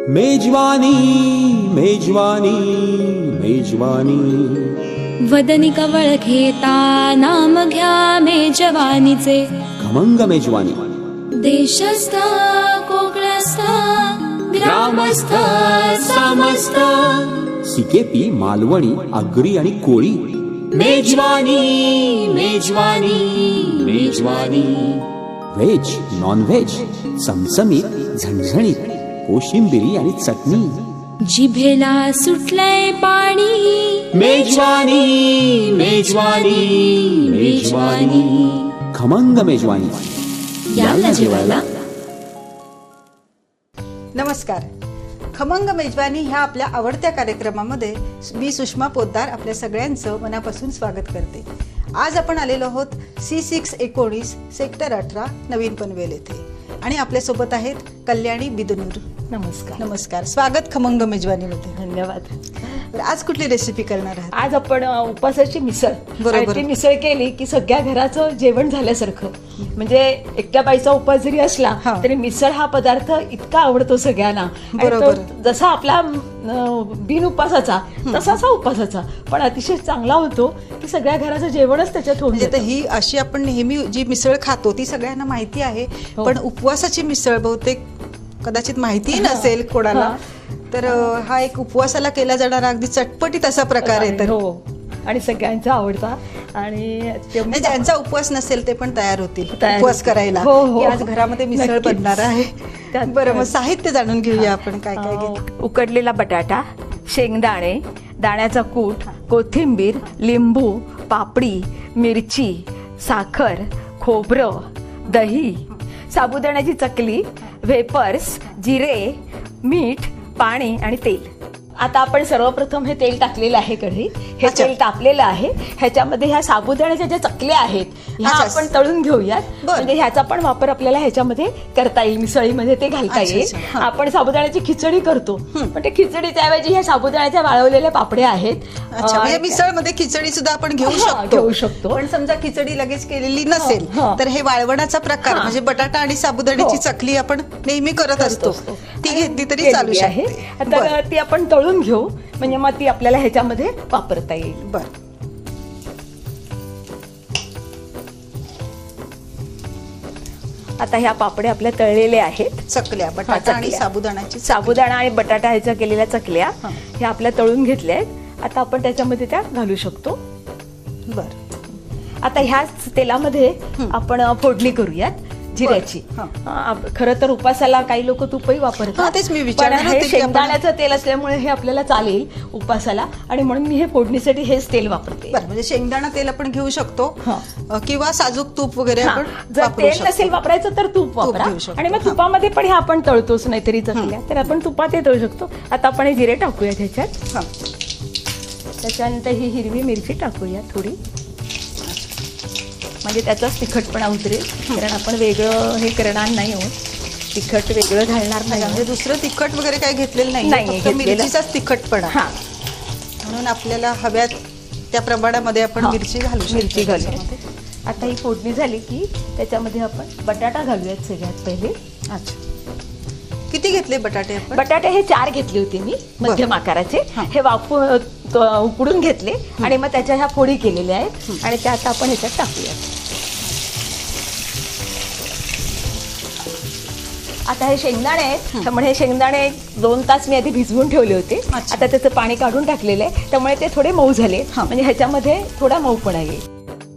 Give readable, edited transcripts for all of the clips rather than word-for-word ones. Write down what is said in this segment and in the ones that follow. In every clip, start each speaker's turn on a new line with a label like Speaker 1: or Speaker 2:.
Speaker 1: मेजवानी मेजवानी मेजवानी
Speaker 2: वदनी कवळ घेता नाम घ्या मेजवानीचे.
Speaker 1: खमंग मेजवानी.
Speaker 2: देशस्थ कोकणस्थ ग्रामस्थ समस्त
Speaker 1: सिकेपी मालवणी आगरी आणि कोळी. मेजवानी मेजवानी मेजवानी. व्हेज नॉन व्हेज चमचमीत झणझणीत कोशिंबिरी आणि चटणी.
Speaker 2: जिभेला सुटलंय पाणी.
Speaker 1: मेजवानी मेजवानी मेजवानी. खमंग मेजवानी.
Speaker 2: याला जेवायला.
Speaker 3: नमस्कार. खमंग मेजवानी ह्या आपल्या आवडत्या कार्यक्रमामध्ये मी सुषमा पोद्दार आपल्या सगळ्यांचं मनापासून स्वागत करते. आज आपण आलेलो आहोत C619 सेक्टर 18 नवीन पनवेल येथे आणि आपल्यासोबत आहेत कल्याणी बिदनूर.
Speaker 4: नमस्कार.
Speaker 3: नमस्कार. स्वागत खमंग मेजवानीमध्ये.
Speaker 4: धन्यवाद.
Speaker 3: आज कुठली रेसिपी करणार आहात?
Speaker 4: आज आपण उपासाची मिसळ.
Speaker 3: बरोबर.
Speaker 4: ती मिसळ केली की सगळ्या घराचं जेवण झाल्यासारखं. म्हणजे एकट्या बाईचा उपास जरी असला तरी मिसळ हा पदार्थ इतका आवडतो सगळ्यांना.
Speaker 3: बरोबर.
Speaker 4: जसा आपला बिन उपासाचा तसाच हा उपासाचा पण अतिशय चांगला होतो की सगळ्या घराचं जेवणच त्याच्यात होऊन
Speaker 3: म्हणजे ही अशी आपण नेहमी जी मिसळ खातो ती सगळ्यांना माहिती आहे, पण उपवासाची मिसळ बहुतेक कदाचित माहिती नसेल कोणाला. तर हा एक उपवासाला केला जाणारा अगदी चटपटीत असा प्रकार आहे. तर
Speaker 4: हो, आणि सगळ्यांचा आवडता. आणि
Speaker 3: ज्यांचा उपवास नसेल ते पण तयार होतील
Speaker 4: तयार
Speaker 3: उपवास करायला.
Speaker 4: हो, हो.
Speaker 3: आज घरामध्ये मिसळ
Speaker 4: नक्कीच.
Speaker 3: बनणार आहे. बरं, मग साहित्य जाणून घेऊया आपण काय काय घेतो.
Speaker 4: उकडलेला बटाटा, शेंगदाणे, दाण्याचा कूट, कोथिंबीर, लिंबू, पापडी, मिरची, साखर, खोबरं, दही, साबुदाण्याची चकली, वेपर्स, जिरे, मीठ, पाणी आणि तेल. आता आपण सर्वप्रथम हे तेल टाकलेलं आहे कढई. हे तेल तापलेलं आहे. ह्याच्यामध्ये ह्या साबुदाण्याच्या ज्या चकल्या आहेत ह्या आपण तळून घेऊयात. म्हणजे ह्याचा पण वापर आपल्याला ह्याच्यामध्ये करता येईल, मिसळीमध्ये ते घालता येईल. आपण साबुदाण्याची खिचडी करतो पण ते खिचडीच्या ऐवजी ह्या साबुदाण्याच्या वाळवलेल्या पापड्या आहेत.
Speaker 3: म्हणजे मिसळमध्ये खिचडी सुद्धा आपण घेऊ शकतो. पण समजा खिचडी लगेच केलेली नसेल तर हे वाळवणाचा प्रकार म्हणजे बटाटा आणि साबुदाण्याची चकली आपण नेहमी करत असतो, ती घेतली तरी चालू शकते.
Speaker 4: तर ती आपण तळून घेऊ म्हणजे मग ती आपल्याला ह्याच्यामध्ये वापरता येईल.
Speaker 3: बरं.
Speaker 4: आता ह्या पापड्या आपल्या तळलेल्या आहेत.
Speaker 3: चकल्या बटाटा आणि साबुदाण्याची
Speaker 4: साबुदाणा आणि बटाटा ह्याच्या केलेल्या चकल्या ह्या आपल्या तळून घेतल्या आहेत. आता आपण त्याच्यामध्ये त्या घालू शकतो.
Speaker 3: बरं.
Speaker 4: आता ह्याच तेलामध्ये आपण फोडणी करूयात जिऱ्याची. खरं तर उपासाला काही लोक तुपही वापरतात,
Speaker 3: तेच मी
Speaker 4: पण
Speaker 3: विचारणार होते
Speaker 4: हे
Speaker 3: की
Speaker 4: शेंगदाण्याचं तेल असल्यामुळे हे आपल्याला चालेल उपासाला आणि म्हणून मी हे फोडणीसाठी हेच तेल वापरते.
Speaker 3: बरं, म्हणजे शेंगदाणा तेल आपण घेऊ शकतो किंवा साजूक तूप वगैरे आपण
Speaker 4: जर तेल नसेल वापरायचं तर तूप वापरा. आणि मग तुपामध्ये पण हे आपण तळतोच नाहीतरी चकल्या, तर आपण तुपात तळू शकतो. आता आपण हे जिरे टाकूया ह्याच्यात. त्याच्यानंतर ही हिरवी मिरची टाकूया थोडी, म्हणजे त्याचाच तिखटपणा उतरेल. कारण आपण वेगळं हे करणार नाही आहोत, तिखट वेगळं घालणार नाही.
Speaker 3: म्हणजे दुसरं तिखट वगैरे काही घेतलेलं नाही, फक्त मिरचीचाच तिखटपणा. म्हणून आपल्याला हव्यात त्या प्रमाणामध्ये आपण मिरची घालूया.
Speaker 4: आता ही फोडणी झाली की त्याच्यामध्ये आपण बटाटा घालूयात सगळ्यात पहिले.
Speaker 3: अच्छा, किती घेतले बटाटे आपण?
Speaker 4: बटाटे हे 4 घेतले होते मी, मध्यम आकाराचे. हे उकडून घेतले आणि मग त्याच्या ह्या फोडी केलेल्या आहेत आणि त्या आता आपण ह्याच्यात टाकूया. आता हे शेंगदाणे आहेत, त्यामुळे हे शेंगदाणे 2 तास मी आधी भिजवून ठेवले होते. आता त्याचं पाणी काढून टाकलेलं आहे, त्यामुळे ते थोडे मऊ झाले. म्हणजे ह्याच्यामध्ये थोडा मऊपणा येईल.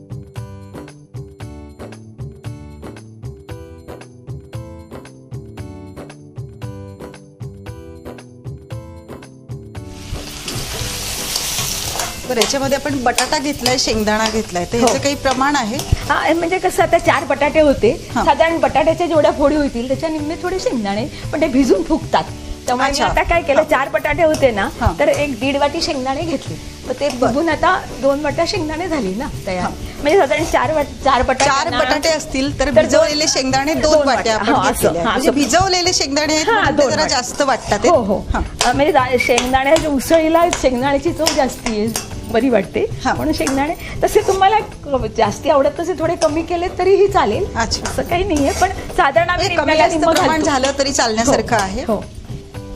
Speaker 3: बरं, याच्यामध्ये आपण बटाटा घेतलाय, शेंगदाणा घेतलाय, तर याचं काही प्रमाण आहे?
Speaker 4: म्हणजे कसं आता 4 बटाटे होते, साधारण बटाट्याच्या जेवढ्या फोडी होतील त्याच्या निम्मे थोडे शेंगदाणे, पण ते भिजून फुगतात. त्यामुळे मी आता काय केलं, 4 बटाटे होते ना तर 1-1.5 वाटी शेंगदाणे घेतले. तर ते बघून आता 2 वाट्या शेंगदाणे झाली ना तयार. म्हणजे साधारण 4
Speaker 3: बटाटे असतील तर भिजवलेले शेंगदाणे 2 वाट्या आपण घेतले. म्हणजे भिजवलेले शेंगदाणे जरा जास्त वाटतात.
Speaker 4: हो, म्हणजे शेंगदाण्याच्या उसळीला शेंगदाण्याची चव जास्ती आहे, बरी वाटते म्हणून शेंगदाणे. तसे तुम्हाला जास्ती आवडत तसे थोडे कमी केले तरीही चालेल, असं काही नाहीये. पण साधारण आम्ही
Speaker 3: कमी जास्त प्रमाण झालं तरी चालण्यासारखं आहे.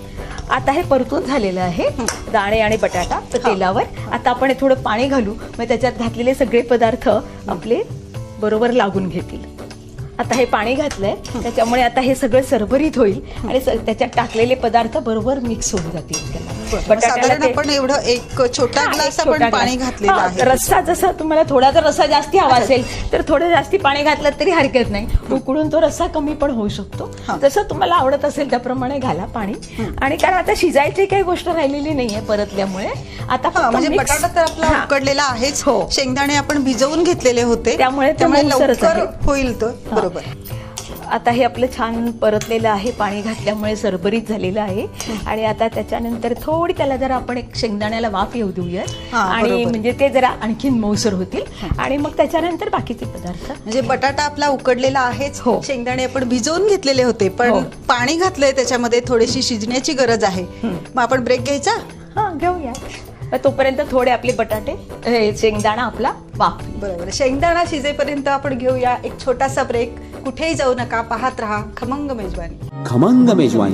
Speaker 4: आता हे परतून झालेलं आहे दाणे आणि बटाटा तर तेलावर. आता आपण हे थोडं पाणी घालू, मग त्याच्यात घातलेले सगळे पदार्थ आपले बरोबर लागून घेतील. आता हे पाणी घातलंय त्याच्यामुळे आता हे सगळं सरभरीत होईल आणि त्याच्यात टाकलेले पदार्थ बरोबर मिक्स होऊन जातील. त्याला
Speaker 3: साधारण आपण एवढं एक छोटा ग्लास आपण पाणी घातलेलं आहे.
Speaker 4: रस्सा जसा तुम्हाला थोडा जर रस्सा जास्ती हवा असेल तर थोडं जास्ती पाणी घातलं तरी हरकत नाही. उकडून तो रस्सा कमी पण होऊ शकतो. जसं तुम्हाला आवडत असेल त्याप्रमाणे घाला पाणी. आणि कारण आता शिजायची काही गोष्ट राहिलेली नाहीये परतल्यामुळे. आता
Speaker 3: म्हणजे बटाटा तर आपला उकडलेला आहेच. शेंगदाणे आपण भिजवून घेतलेले होते
Speaker 4: त्यामुळे
Speaker 3: लवकर होईल तो. बरोबर.
Speaker 4: आता हे आपलं छान परतलेलं आहे, पाणी घातल्यामुळे सरभरीत झालेलं आहे. आणि आता त्याच्यानंतर थोडी त्याला जरा आपण एक शेंगदाण्याला वाफ येऊ देऊयात आणि म्हणजे ते जरा आणखीन मऊसर होतील. आणि मग त्याच्यानंतर बाकीचे पदार्थ
Speaker 3: म्हणजे बटाटा आपला उकडलेला आहेच. शेंगदाणे आपण भिजवून घेतलेले होते पण पाणी घातलंय त्याच्यामध्ये, थोडीशी शिजण्याची गरज आहे. मग आपण ब्रेक घ्यायचा.
Speaker 4: घेऊया. तोपर्यंत थोडे आपले बटाटे शेंगदाणा आपला वाफ.
Speaker 3: बरोबर. शेंगदाणा शिजेपर्यंत आपण घेऊया एक छोटासा ब्रेक. कुठेही जाऊ नका, पाहत रहा खमंग मेजवानी.
Speaker 1: खमंग मेजवानी.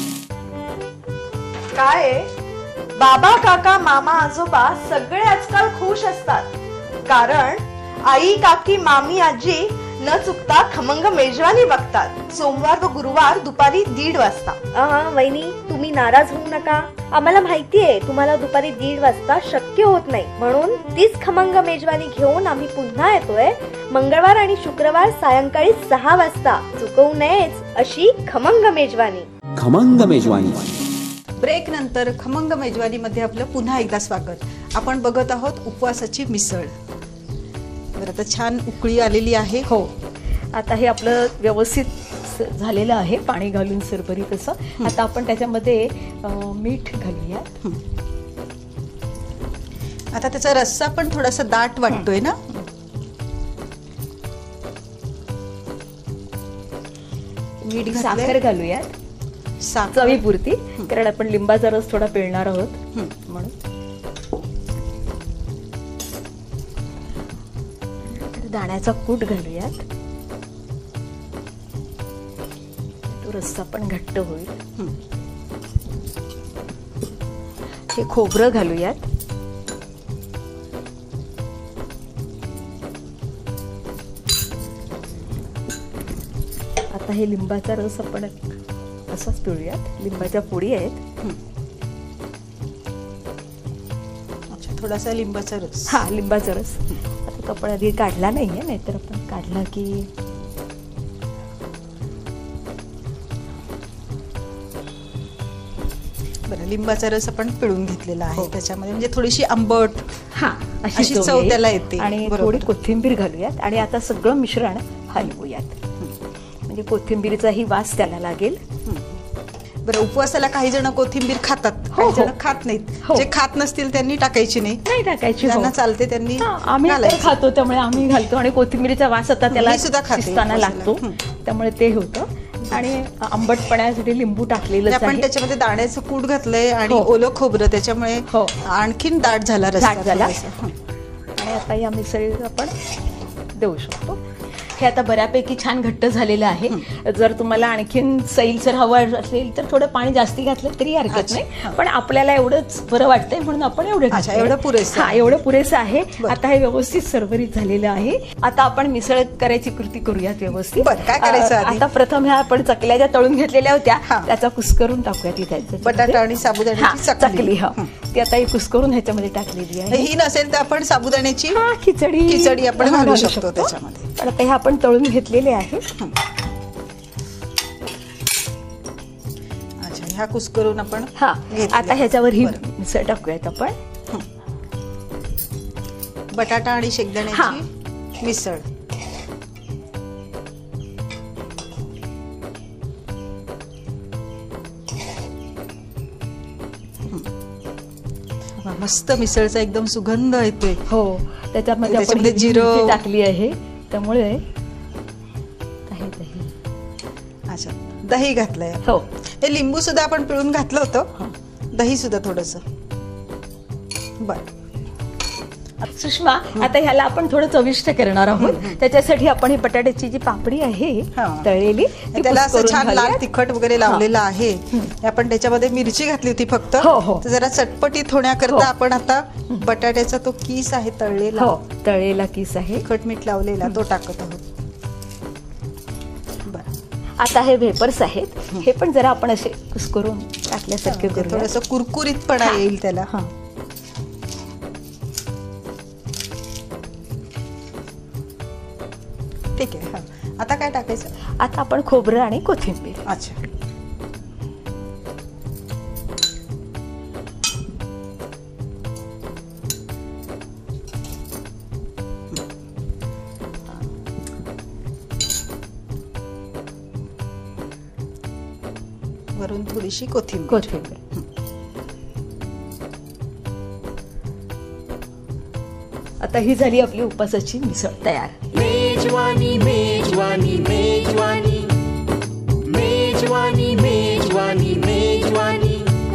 Speaker 5: काय बाबा काका मामा आजोबा सगळे आजकाल खुश असतात कारण आई काकी मामी आजी न चुकता खमंग मेजवानी बघतात सोमवार व गुरुवार दुपारी 1:30 वाजता.
Speaker 6: वहिनी तुम्ही नाराज होऊ नका. आम्हाला माहितीये तुम्हाला दुपारी 1:30 वाजता शक्य होत नाही, म्हणून तीच खमंग मेजवानी घेऊन आम्ही पुन्हा येतोय मंगळवार आणि शुक्रवार सायंकाळी 6 वाजता. चुकवू नयेच अशी खमंग मेजवानी.
Speaker 1: खमंग मेजवानी.
Speaker 3: ब्रेक नंतर खमंग मेजवानी मध्ये आपलं पुन्हा एकदा स्वागत. आपण बघत आहोत उपवासाची मिसळ. बरं, आता छान उकळी आलेली आहे.
Speaker 4: आता हे आपलं व्यवस्थित झालेलं आहे पाणी घालून सरभरीत असं. आता आपण त्याच्यामध्ये मीठ घालूया.
Speaker 3: आता त्याचा रस्सा पण थोडासा दाट वाटतोय ना. मीठ
Speaker 4: साखर घालूयात चवीपुरती, कारण आपण लिंबाचा रस थोडा पिळणार आहोत म्हणून. दाण्याचा कूट घालूयात. तो रस्सा पण घट्ट होईल. हे खोबरं घालूयात. आता हे लिंबाचा रस आपण असाच पिळूयात. लिंबाच्या फोडी आहेत.
Speaker 3: थोडासा लिंबाचा रस.
Speaker 4: लिंबाचा रस. आता तो आपण आधी काढला नाहीये, नाहीतर आपण काढला की
Speaker 3: बरं. लिंबाचा रस आपण पिळून घेतलेला आहे त्याच्यामध्ये, म्हणजे थोडीशी आंबट अशी चव त्याला येते.
Speaker 4: आणि थोडी कोथिंबीर घालूयात आणि आता सगळं मिश्रण हलवूयात, म्हणजे कोथिंबीरचाही वास त्याला लागेल.
Speaker 3: बरं, उपवासाला काही जण कोथिंबीर खातात, काही जण खात नाहीत. जे खात नसतील त्यांनी टाकायची नाही.
Speaker 4: टाकायची.
Speaker 3: त्यांना चालते त्यांनी.
Speaker 4: आम्ही खातो त्यामुळे आम्ही घालतो. आणि कोथिंबीरचा वास आता त्याला शिजताना लागतो त्यामुळे ते होतं. आणि आंबटपणासाठी लिंबू टाकलेलं
Speaker 3: आपण त्याच्यामध्ये दाण्याचं कूट घातलंय आणि ओलं खोबरं, त्याच्यामुळे आणखीन दाट झाला रस्सा.
Speaker 4: आणि आता या मिसळीला आपण देऊ शकतो. हे आता बऱ्यापैकी छान घट्ट झालेलं आहे. जर तुम्हाला आणखीन सैलसर हवं असेल तर थोडं पाणी जास्ती घातलं तरी हरकत नाही, पण आपल्याला एवढंच बरं वाटतंय म्हणून आपण एवढं पुरेसं आहे. आता हे व्यवस्थित सरभरीत झालेलं आहे. आता आपण मिसळ करायची कृती करूयात व्यवस्थित.
Speaker 3: काय करायचं
Speaker 4: आता प्रथम ह्या आपण चकल्या ज्या तळून घेतलेल्या होत्या त्याचा कुस्करून टाकूयात इथे.
Speaker 3: बटाटा आणि साबुदाण्याची
Speaker 4: चकली ती आता ही कुस्करून ह्याच्यामध्ये टाकलेली आहे.
Speaker 3: ही नसेल तर आपण साबुदाण्याची
Speaker 4: खिचडी
Speaker 3: आपण घालू शकतो त्याच्यामध्ये.
Speaker 4: पण आता हे आपण तळून घेतलेले आहे.
Speaker 3: अच्छा, ह्या कुस्करून आपण
Speaker 4: आता ह्याच्यावर ही मिसळ टाकूयात आपण.
Speaker 3: बटाटा आणि शेंगदाण्याची मिसळ. मस्त मिसळचा एकदम सुगंध येतोय.
Speaker 4: त्याच्यामध्ये आपण जिरं टाकली आहे त्यामुळे.
Speaker 3: अच्छा, दही घातलंय. हे लिंबू सुद्धा आपण पिळून घातलं होतं. दही सुद्धा थोडस. बर,
Speaker 4: सुषमा, आता ह्याला आपण थोडं चविष्ट करणार आहोत. त्याच्यासाठी आपण ही बटाट्याची जी पापडी आहे
Speaker 3: हा.
Speaker 4: तळलेली ती
Speaker 3: त्याला असं
Speaker 4: कुस्करून
Speaker 3: छान लाल
Speaker 4: घालूयात.
Speaker 3: तिखट वगैरे लावलेलं आहे. आपण त्याच्यामध्ये मिरची घातली होती फक्त.
Speaker 4: हो, हो.
Speaker 3: तर जरा चटपटीत होण्याकरता
Speaker 4: हो.
Speaker 3: आपण आता बटाट्याचा तो किस आहे तळलेला,
Speaker 4: हो, तळलेला किस आहे.
Speaker 3: तिखट मीठ लावलेला तो टाकत आहोत. बरं,
Speaker 4: आता हे वेपर्स आहेत, हे पण जरा आपण असे कुस्करून टाकल्यासारखे करूया.
Speaker 3: थोडंसं कुरकुरीतपणा येईल त्याला.
Speaker 4: हा.
Speaker 3: ठीक आहे. हा. आता काय टाकायचं?
Speaker 4: आता आपण खोबरं आणि कोथिंबीर.
Speaker 3: अच्छा, वरून थोडीशी कोथिंबीर.
Speaker 4: कोथिंबीर. आता ही झाली आपली उपासाची मिसळ तयार.
Speaker 1: मेजवानी मेजवानी मेजवानी मेजवानी मेजवानी मेजवानी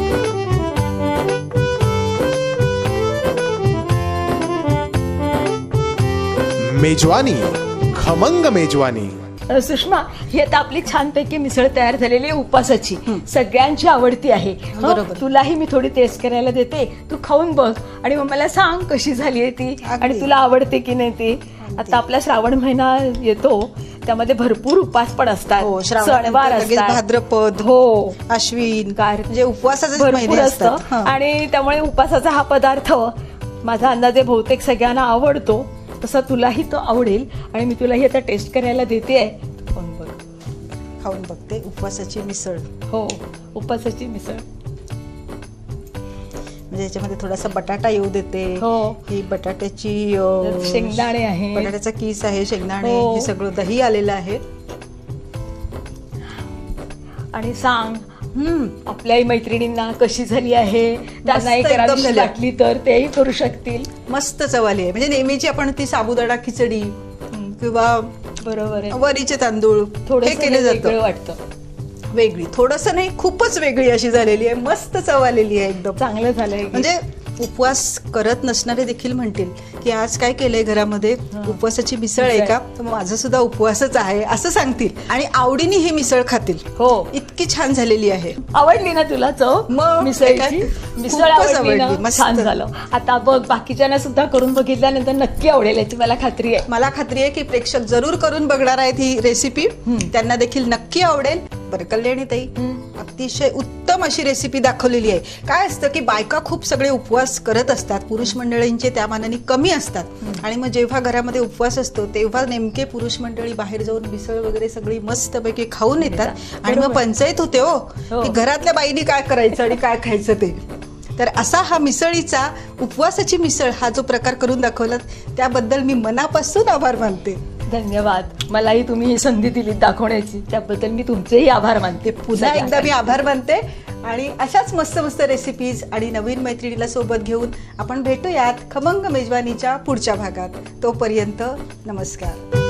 Speaker 7: मेजवानी खमंग मेजवानी.
Speaker 4: सुषमा, ही आता आपली छानपैकी मिसळ तयार झालेली आहे उपासाची. सगळ्यांची आवडती आहे. हं?
Speaker 3: बरोबर.
Speaker 4: तुलाही मी थोडी टेस्ट करायला देते, तू खाऊन बघ आणि मग मला सांग कशी झाली आहे ती
Speaker 3: अगदी.
Speaker 4: आणि तुला आवडते की नाही ती. आता आपला श्रावण महिना येतो, त्यामध्ये भरपूर उपास पण असतात,
Speaker 3: हो,
Speaker 4: सणवार
Speaker 3: लगेच
Speaker 4: असतात.
Speaker 3: भाद्रपद,
Speaker 4: हो,
Speaker 3: अश्विन,
Speaker 4: कार-
Speaker 3: म्हणजे उपवासाचे
Speaker 4: भरपूर
Speaker 3: महिने
Speaker 4: असतं
Speaker 3: असतात. हा.
Speaker 4: आणि त्यामुळे उपासाचा हा पदार्थ माझा अंदाजे बहुतेक सगळ्यांना आवडतो. तसा तुलाही तो आवडेल आणि मी तुलाही आता टेस्ट करायला देते आहे. तू खाऊन बघ.
Speaker 3: खाऊन बघते उपवासाची मिसळ.
Speaker 4: हो, उपासाची मिसळ.
Speaker 3: म्हणजे याच्यामध्ये थोडासा बटाटा येऊ देते.
Speaker 4: हो.
Speaker 3: ही बटाट्याची
Speaker 4: शेंगदाणे आहे.
Speaker 3: बटाट्याचा किस आहे, शेंगदाणे,
Speaker 4: हो.
Speaker 3: हे सगळं दही आलेलं आहे.
Speaker 4: आणि सांग आपल्याही मैत्रिणींना कशी झाली आहे. त्यांना एक
Speaker 3: एकदम
Speaker 4: करावीशी
Speaker 3: झाली.
Speaker 4: वाटली तर तेही करू शकतील.
Speaker 3: मस्त चवाली आहे. म्हणजे नेहमीची आपण ती साबुदाणा खिचडी किंवा
Speaker 4: बरोबर आहे.
Speaker 3: वरीचे तांदूळ हे
Speaker 4: थोडंसं
Speaker 3: केले
Speaker 4: वेगळं
Speaker 3: जातं.
Speaker 4: वाटतं.
Speaker 3: वेगळी, थोडंसं नाही, खूपच वेगळी अशी झालेली आहे. मस्त चव आलेली आहे एकदम.
Speaker 4: चांगलं झालंय.
Speaker 3: म्हणजे उपवास करत नसणारे देखील म्हणतील की आज काय केलंय घरामध्ये, उपवासाची मिसळ आहे का, तर माझा सुद्धा उपवासच आहे असं सांगतील आणि आवडीने ही मिसळ खातील.
Speaker 4: हो.
Speaker 3: इतकी छान झालेली आहे.
Speaker 4: आवडली ना तुला चव
Speaker 3: मग
Speaker 4: मिसळची?
Speaker 3: काय?
Speaker 4: मिसळ
Speaker 3: खूपच
Speaker 4: आवडली ना?
Speaker 3: आवडली. मस्त.
Speaker 4: छान झालं. आता बघ, बाकीच्यांना सुद्धा करून बघितल्यानंतर नक्की आवडेल याची मला खात्री आहे.
Speaker 3: मला खात्री आहे की प्रेक्षक जरूर करून बघणार आहेत ही रेसिपी. त्यांना देखील नक्की आवडेल. बरं, कल्याणी ताई, अतिशय उत्तम अशी रेसिपी दाखवलेली आहे. काय असतं की बायका खूप सगळे उपवास करत असतात, पुरुष मंडळींचे त्या मानाने कमी असतात आणि मग जेव्हा घरामध्ये उपवास असतो तेव्हा नेमके पुरुष मंडळी बाहेर जाऊन मिसळ वगैरे सगळी मस्तपैकी खाऊन येतात आणि मग पंचायत होते हो की घरातल्या बाईनी काय करायचं आणि काय खायचं ते. तर असा हा मिसळीचा, उपवासाची मिसळ हा जो प्रकार करून दाखवला त्याबद्दल मी मनापासून आभार मानते.
Speaker 4: धन्यवाद. मलाही तुम्ही ही संधी दिली दाखवण्याची, त्याबद्दल मी तुमचेही आभार मानते.
Speaker 3: पुन्हा एकदा मी आभार मानते आणि अशाच मस्त मस्त रेसिपीज आणि नवीन मैत्रिणीला सोबत घेऊन आपण भेटूयात खमंग मेजवानीच्या पुढच्या भागात. तोपर्यंत नमस्कार.